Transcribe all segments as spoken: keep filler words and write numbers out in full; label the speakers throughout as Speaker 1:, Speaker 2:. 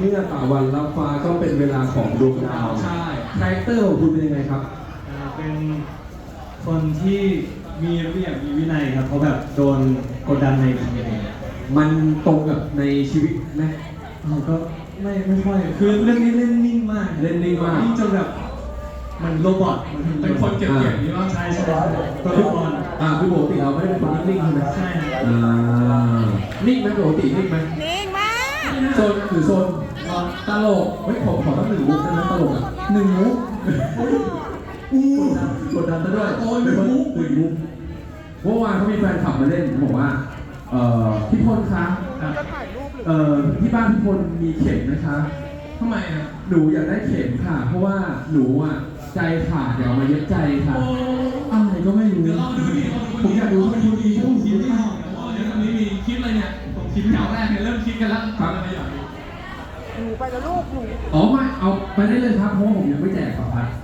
Speaker 1: มื่อตะวันรับฟ้าก็เป็นเวลาของดวงดาว
Speaker 2: ใช่
Speaker 1: คาแรคเตอร์ของคุณเป็นยังไงครับ
Speaker 3: อ่าเป็นคนที่มีระเบียบมีวินัยครับเพราะแบบโดนกดดันในทีม
Speaker 1: มันตรงกับในชีวิตไหม
Speaker 3: เราก็ไม่ไม่ค่อยคือเรื่องนี้เล่นนิ่งมาก
Speaker 1: เล่นนิ่งมาก
Speaker 3: นิ่งจนแบบมันโรบอทมัน
Speaker 2: เป็นคนเก็บเกี่ยวนี่ว่า
Speaker 3: ใช่ใช่ตัวละคร
Speaker 1: อ่าคือปกติเราไม่ได้เป็นคนนิ่งๆใช่ไหม
Speaker 3: ใช่ครับ
Speaker 1: อ่านิ่งไหมปกตินิ่งไหม
Speaker 4: นิ่งมาก
Speaker 1: โซนหรือโซนตลกเฮ้ยผมขอตั้งหนึ่งมุกได้ไหมตลกอ่ะหนึ่งมุกอู้กดดันซะด้วย
Speaker 2: โอ้ยหนึ่งมุก
Speaker 1: หนึ่งมุกเมื่อวานเขามีแฟนคลับมาเล่นบอกว่าเอ่อพี่พลคะเอ่อที่บ้านพี่พลมีเข็มนะคะ
Speaker 2: ทำไมอ่ะ
Speaker 1: หนูอยากได้เข็มค่ะ เพราะว่าหนูอ่ะใจขาดเดี๋ยวเอามาเย็บใจค่ะ
Speaker 2: โอ้
Speaker 1: อะไรก็ไม่รู้
Speaker 2: เดี๋ยวเราดูดิ
Speaker 1: ผมอยากดูว่าคุณมี
Speaker 2: ผ
Speaker 1: ผู้
Speaker 2: ม
Speaker 1: ห
Speaker 2: คิ
Speaker 1: ญิ
Speaker 2: ด
Speaker 1: ง
Speaker 2: ไม่ออกว่าเดี๋ยวตอนนี้มีคิดเลยเนี่ยผมคิดแถวแรกเนี่ยเริ่มคิดกันแล้วครับอะไรอย่างนี้
Speaker 4: หนูไปแล้วลูกหนู
Speaker 1: อ๋อไม่เอาไปได้เลยครับเพราะว่าผมยังไม่แจกครับพัด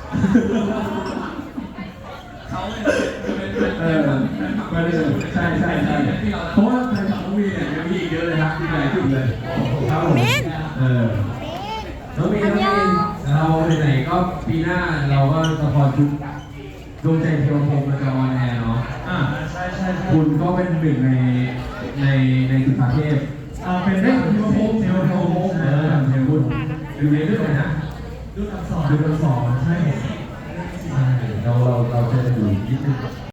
Speaker 2: เขาเนี่ยจะเป็นเป็น
Speaker 1: เออไปได้เลยใช่ใช่ใช่เพราะว่าแฟนคลับน้องมีเนี่ยยังมีอีกเยอะเลยครับที่ไหนขึ้นเลยครับผม
Speaker 4: มิ้น
Speaker 1: เออน้องมีน้องมีเราไหนๆก็ปีหน้าเราก็ละครชุดดวงใจเทวพรหมเราจะออนแอร์เนาะ
Speaker 3: อ่าใช่ใช่ใช่
Speaker 1: คุณก็เป็นหนึ่งในในในสุภาเทพ
Speaker 3: อ่าเป็น
Speaker 1: เฮ้ยเทวพรหมเทวพรหมเออเทวพรหมดูในเรื่องอะไรนะ
Speaker 3: ดูอักษร
Speaker 1: ดูกันสอนใช่ใช่เราเราเราจะอยู่นิดนึง